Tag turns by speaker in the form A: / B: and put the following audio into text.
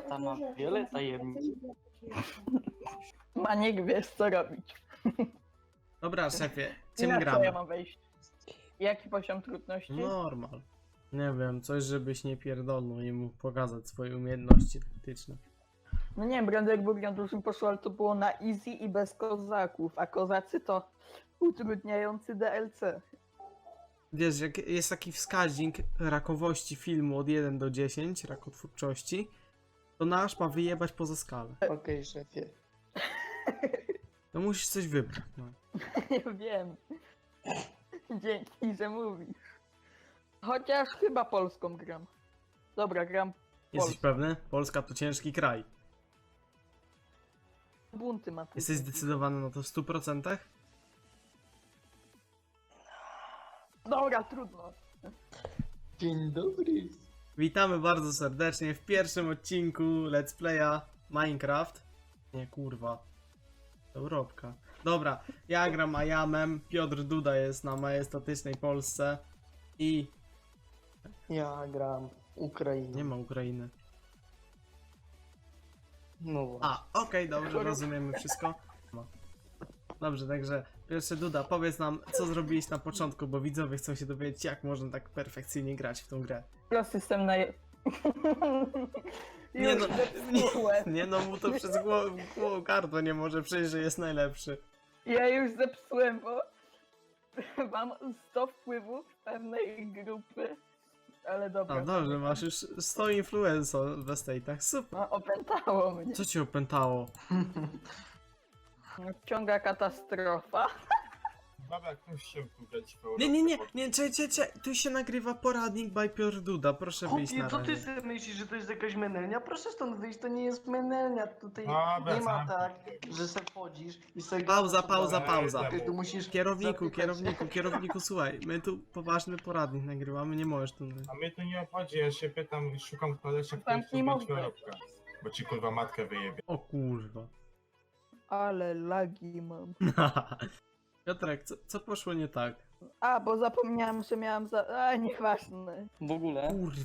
A: Tata ma wiele tajemnic.
B: Maniek, wiesz co robić.
C: Dobra, szefie, czym
B: Na co ja
C: gramy?
B: mam wejść? Jaki poziom trudności?
C: Normal. Nie wiem, coś żebyś nie pierdolnął i mógł pokazać swoje umiejętności taktyczne.
B: No nie wiem, Brandenburg na dużym poszło, ale to było na easy i bez kozaków, a kozacy to utrudniający DLC.
C: Wiesz, jak jest taki wskaźnik rakowości filmu od 1 do 10, rakotwórczości, to nasz ma wyjebać poza skalę.
A: Okej, szefie.
C: No musisz coś wybrać. No.
B: Nie wiem. Dzięki, że mówisz. Chociaż chyba polską gram. Dobra, gram
C: Jesteś
B: Polską.
C: pewny? Polska to ciężki kraj.
B: Bunty ma.
C: Jesteś zdecydowany na to w 100%?
B: Dobra, trudno.
A: Dzień dobry.
C: Witamy bardzo serdecznie w pierwszym odcinku Let's Playa Minecraft. Nie, kurwa. Europka. Dobra, ja gram Ajamem, Piotr Duda jest na majestatycznej Polsce i
A: Ja gram Ukrainę.
C: nie ma Ukrainy.
A: No właśnie.
C: A, okej, dobrze, rozumiemy wszystko. No. Dobrze, także pierwszy Duda, powiedz nam, co zrobiłeś na początku, bo widzowie chcą się dowiedzieć, jak można tak perfekcyjnie grać w tą grę.
B: System na...
C: Nie no,
B: zepsułem.
C: nie no, mu to przez gardło nie może przejść, że jest najlepszy.
B: Ja już zepsułem, bo mam 100 wpływów pewnej grupy, ale dobra.
C: A dobrze, masz już 100 influencer w estate'ach, super.
B: No, opętało mnie.
C: Co cię opętało?
B: Ciąga katastrofa.
D: Baba, ktoś się wybrać w
C: Nie, czekaj, tu się nagrywa poradnik by Piotr Duda, proszę wyjść na
E: Chłopie, co ty
C: razie.
E: sobie myślisz, że to jest jakaś menelnia? Proszę stąd wyjść, to nie jest menelnia. Tutaj
D: Dobra,
E: nie ma
D: zamknij
E: tak,
D: się.
E: że se wchodzisz i sobie...
C: Pauza,
E: gadasz,
C: pauza.
E: Ty tu musisz
C: Kierowniku,
E: zapytać-
C: kierowniku, słuchaj, my tu poważny poradnik nagrywamy, nie możesz tu...
D: A mnie to nie obchodzi, ja się pytam, szukam kolesia, który
B: Zamknij
D: chce być
B: mordę.
D: Europka. Bo ci kurwa matkę wyjebie.
C: O kurwa.
B: Ale lagi mam.
C: Piotrek, co poszło nie tak?
B: A, bo zapomniałem, że miałem za... A, nieważne.
A: W ogóle,
C: Kurwa,